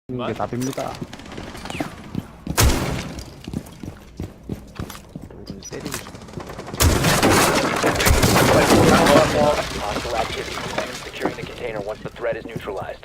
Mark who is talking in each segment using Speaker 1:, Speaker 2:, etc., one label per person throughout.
Speaker 1: 이게 답입니다.
Speaker 2: 때리고 싶어.
Speaker 3: Hostile activity. Begin securing the container once the threat is neutralized.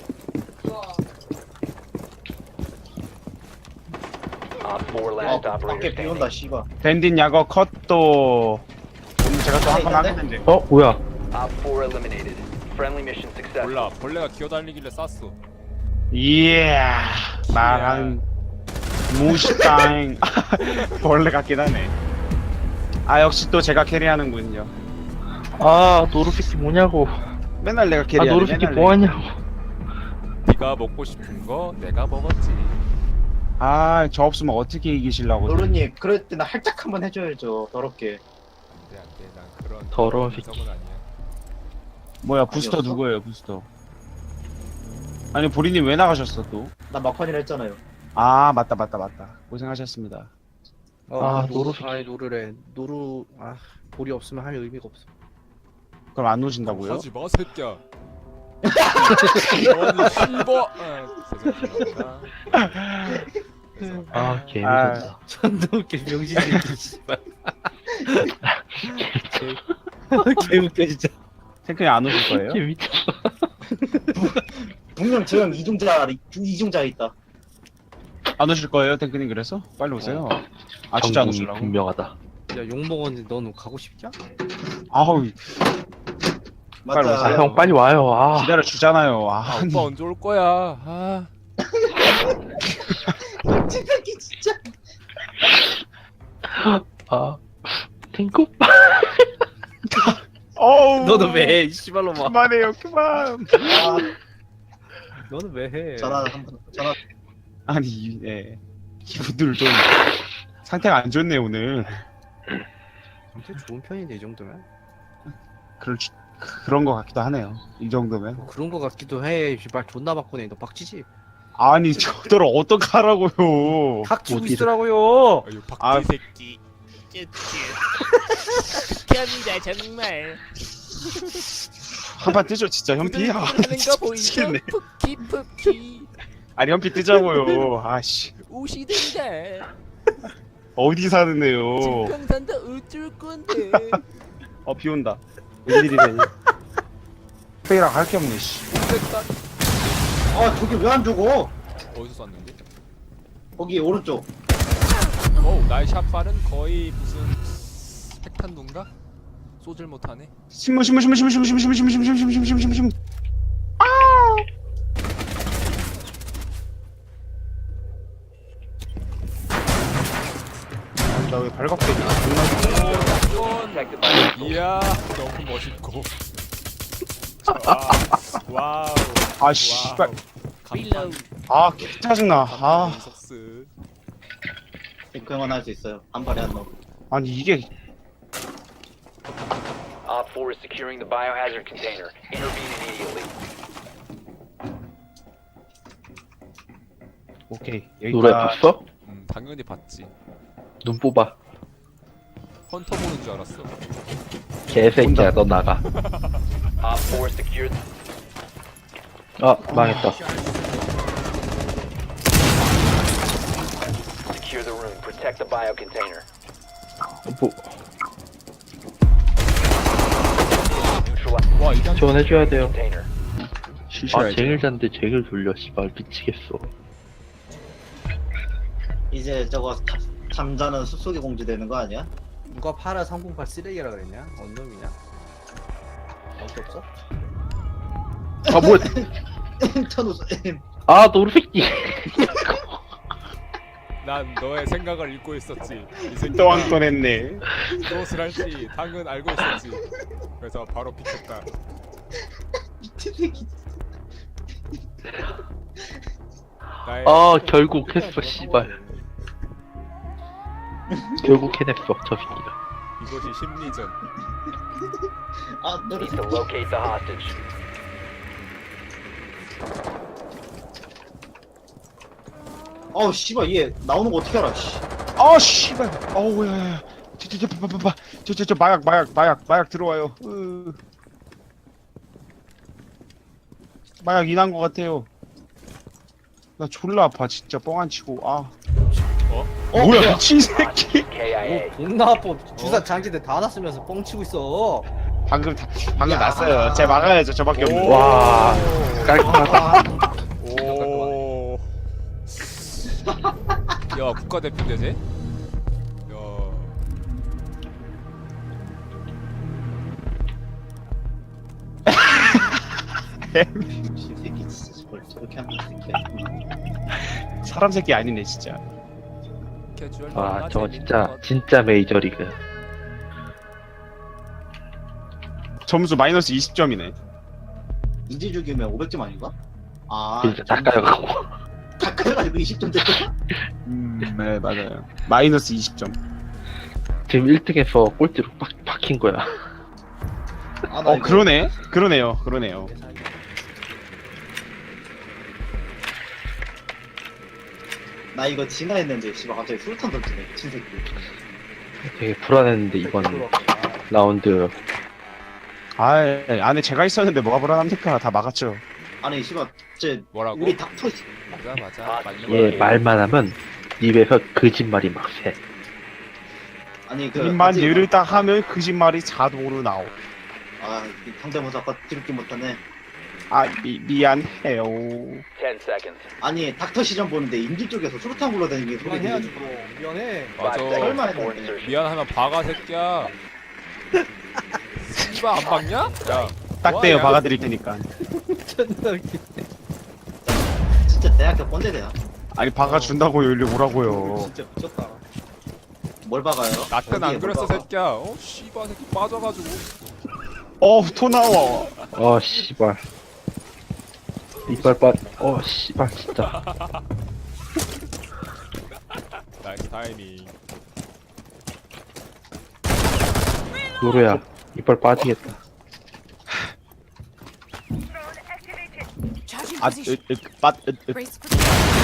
Speaker 3: Op 4 last operator
Speaker 4: 밖에 비 온다
Speaker 3: standing.
Speaker 4: 씨발.
Speaker 1: 밴딘 야거 컷도 오늘 제가 또 한 번 하겠는데.
Speaker 5: 어 뭐야?
Speaker 3: Op 4 eliminated. Friendly mission successful.
Speaker 6: 몰라 벌레가 기어다니길래 쐈어.
Speaker 1: 이야 말한 무시땅 벌레 같긴 하네. 아 역시 또 제가 캐리하는군요.
Speaker 5: 아 노루새끼 뭐냐고.
Speaker 1: 맨날 내가
Speaker 5: 아
Speaker 1: 캐리하네.
Speaker 5: 노루새끼
Speaker 1: 맨날
Speaker 5: 뭐하냐고.
Speaker 6: 네가 먹고 싶은 거 내가 먹었지.
Speaker 1: 아저 없으면 어떻게 이기실라고.
Speaker 4: 노루님 그럴 때는 할짝 한번 해줘야죠. 더럽게.
Speaker 6: 안돼 난 그런
Speaker 5: 더러운 새끼.
Speaker 6: 성은 아니야.
Speaker 1: 뭐야 부스터
Speaker 4: 아니었어?
Speaker 1: 누구예요 부스터? 아니 보리님 왜 나가셨어 또?
Speaker 4: 나 막판이라 했잖아요.
Speaker 1: 아 맞다 고생하셨습니다.
Speaker 5: 아, 노루-
Speaker 2: 아이 노루래. 노루 볼이 없으면 할 의미가 없어.
Speaker 1: 그럼 안 오신다고요?
Speaker 6: 하지 마 새끼야. 너는 실버. 죄송합니다.
Speaker 5: 아 개미쳤다.
Speaker 2: 존나 웃겨 명신 새끼 씨발. 개 웃겨 진짜.
Speaker 1: 탱크님 안 오실 거예요?
Speaker 5: 개미쳤어.
Speaker 4: 분명 저 형 이중자 있다.
Speaker 1: 안 오실 거예요 탱크님 그래서? 빨리 오세요. 아 진짜 안
Speaker 5: 정국이
Speaker 1: 오시려고?
Speaker 5: 분명하다.
Speaker 2: 야 욕먹었는데 넌 가고 싶냐?
Speaker 1: 아우 빨리
Speaker 4: 맞다.
Speaker 1: 오세요.
Speaker 5: 아 형 빨리 와요. 아,
Speaker 1: 기다려 주잖아요.
Speaker 6: 아
Speaker 1: 아니
Speaker 6: 오빠 언제 올 거야? 아
Speaker 4: 새끼 진짜.
Speaker 5: 아 탱크 오빠.
Speaker 1: 어우
Speaker 2: 너는 왜 해? 이 씨발로마.
Speaker 1: 그만해요 그만.
Speaker 4: 아,
Speaker 2: 너는 왜 해?
Speaker 4: 전화 한번 전화.
Speaker 1: 아니 예 이분들 좀 상태가 안 좋네 오늘.
Speaker 2: 진짜 좋은 편인데 이 정도면?
Speaker 1: 그런 거 같기도 하네요. 이 정도면.
Speaker 2: 뭐 그런 거 같기도 해. 씨발 존나 바꾸네. 너 박치지?
Speaker 1: 아니 저들 어떡하라고요.
Speaker 2: 닥치고
Speaker 5: 어디를-
Speaker 2: 있으라고요.
Speaker 6: 아유 박쥐
Speaker 1: 아.
Speaker 6: 새끼.
Speaker 7: 극혐이다 정말.
Speaker 1: 한판 뜨죠 진짜 현피. 아,
Speaker 7: 하는 거 보이죠?
Speaker 1: 미치겠네.
Speaker 7: 푸키
Speaker 1: 아니 현피 뜨자고요. 아씨
Speaker 7: 우시든가.
Speaker 1: 어디 사는데요.
Speaker 7: 증평산도 어쩔 건데.
Speaker 1: 비 온다. 웬일이래. 페이랑 할 게 없네 씨.
Speaker 4: 아 저기 왜 안 죽어?
Speaker 6: 어디서 쐈는데?
Speaker 4: 거기 오른쪽.
Speaker 6: 어우 나의 샷발은 거의 무슨 핵탄두인가? 쏘질 못하네.
Speaker 1: 신문. 나 왜 발각돼?
Speaker 3: Protected by
Speaker 6: 이야 너무 멋있고. 와우.
Speaker 1: 아 씨발.
Speaker 6: 간판.
Speaker 1: 아 짜증나. 아
Speaker 6: 속스.
Speaker 4: 탱크 형은 할 수 있어요. 한 발에 한 놈.
Speaker 1: 아니 이게
Speaker 3: Op 4 is securing the biohazard container. Intervene immediately.
Speaker 1: 오케이
Speaker 5: 노래
Speaker 1: 여기가
Speaker 5: 봤어?
Speaker 6: 당연히 봤지.
Speaker 5: 눈 뽑아.
Speaker 6: 헌터 보는 줄 알았어.
Speaker 5: 개새끼야 너 나가.
Speaker 3: Op 4 secured.
Speaker 5: 아 망했다.
Speaker 3: Secure the room. Protect the bio container.
Speaker 5: 뭐
Speaker 3: Neutralize
Speaker 6: 와 이단
Speaker 5: 지원해줘야
Speaker 3: the
Speaker 5: 돼요.
Speaker 3: container.
Speaker 5: 아 쟁일잔데 쟁일 돌려 씨발 미치겠어.
Speaker 4: 이제 저거 잠자는 숲속에 공주 되는 거 아니야?
Speaker 2: 누가 팔아 308 쓰레기라 그랬냐? 언 놈이냐? 어디 없어?
Speaker 5: 아 뭐야?
Speaker 4: 천우스
Speaker 5: 아 노루새끼.
Speaker 6: 난 너의 생각을 읽고 있었지. 이 새끼가
Speaker 1: 또한건 했네.
Speaker 6: 무엇을 할지 당은 알고 있었지. 그래서 바로 비켰다.
Speaker 4: 미친 새끼.
Speaker 6: 나의
Speaker 5: 아 결국 했어 씨발. 결국 해냈어 저 새끼가.
Speaker 6: 이것이 심리전.
Speaker 4: 아 노래.
Speaker 3: Need to locate the hostage.
Speaker 4: 어우 씨발 얘 나오는 거 어떻게 알아? 씨.
Speaker 1: 아 씨발. 어우 야야야. 저 마약 들어와요. 마약 인한 것 같아요. 나 졸라 아파 진짜 뻥 안 치고. 아.
Speaker 6: 어?
Speaker 1: 뭐야 미친 새끼.
Speaker 3: KIA.
Speaker 2: 존나 아파. 주사 장지대 다 놨으면서 뻥치고 있어.
Speaker 1: 방금 났어요. 제가 막아야죠. 저밖에 없는.
Speaker 5: 와 깔끔하다.
Speaker 6: 오. 야 국가대표인데 쟤? 야.
Speaker 4: 이 새끼 진짜 뭘 저렇게 하는 새끼야.
Speaker 1: 사람 새끼 아니네 진짜.
Speaker 7: 캐주얼
Speaker 5: 와
Speaker 7: 너무나
Speaker 5: 저거
Speaker 7: 재밌는
Speaker 5: 진짜
Speaker 7: 것.
Speaker 5: 진짜 메이저리그.
Speaker 1: 점수 마이너스 20점이네.
Speaker 4: 인지 죽이면 500점 아닌가? 아,
Speaker 5: 진짜 닦아여갖고.
Speaker 4: 다 그래가지고 20점 됐어.
Speaker 1: 네 맞아요. 마이너스 20점.
Speaker 5: 지금 1등에서 꼴찌로 박힌 거야.
Speaker 4: 아, 나 이거
Speaker 1: 그러네요.
Speaker 4: 나 이거 지나 했는데 씨발 갑자기 술탄 던지네 미친 새끼.
Speaker 5: 되게 불안했는데 이번 라운드
Speaker 1: 아 안에 제가 있었는데 뭐가 불안합니까? 다 막았죠.
Speaker 4: 아니 씨발 쟤
Speaker 6: 뭐라고?
Speaker 4: 우리 닥터
Speaker 6: 맞아 맞아.
Speaker 3: 아,
Speaker 6: 맞는
Speaker 5: 얘
Speaker 6: 거야.
Speaker 5: 말만 하면 입에서 거짓말이 막 새.
Speaker 4: 아니 그
Speaker 1: 입만
Speaker 4: 어찌-
Speaker 1: 열을 딱 하면 거짓말이 자동으로 나오.
Speaker 4: 아 상대모사 아까 들을게 못하네.
Speaker 1: 아 미안해요.
Speaker 3: 10 seconds.
Speaker 4: 아니 닥터 시전 보는데 인지 쪽에서 수류탄 굴러다니는 게 소리
Speaker 2: 미안해야지
Speaker 4: 들리네.
Speaker 2: 뭐. 미안해.
Speaker 6: 맞아.
Speaker 3: 5 seconds
Speaker 4: 설마
Speaker 3: before
Speaker 4: 했는데.
Speaker 3: insertion.
Speaker 6: 미안하면 박아 새끼야. 씨발 안 박냐? 야.
Speaker 1: 딱 떼요
Speaker 6: 뭐하냐?
Speaker 1: 박아드릴 테니까.
Speaker 2: 존나 웃기.
Speaker 4: 진짜 대학교 꼰대대야.
Speaker 1: 아니 박아준다고요. 일로 오라고요.
Speaker 2: 진짜 미쳤다.
Speaker 4: 뭘 박아요?
Speaker 6: 나 때는
Speaker 4: 어디에
Speaker 6: 안
Speaker 4: 뭘
Speaker 6: 그랬어
Speaker 4: 박아?
Speaker 6: 새끼야. 어 씨발 새끼 빠져가지고.
Speaker 1: 토 나와.
Speaker 5: 씨발. 이빨 씨발 진짜.
Speaker 6: 나이스 타이밍.
Speaker 5: 노루야 이빨 빠지겠다.
Speaker 7: Charging
Speaker 1: 아,
Speaker 7: position.
Speaker 1: 빠,
Speaker 7: Brace for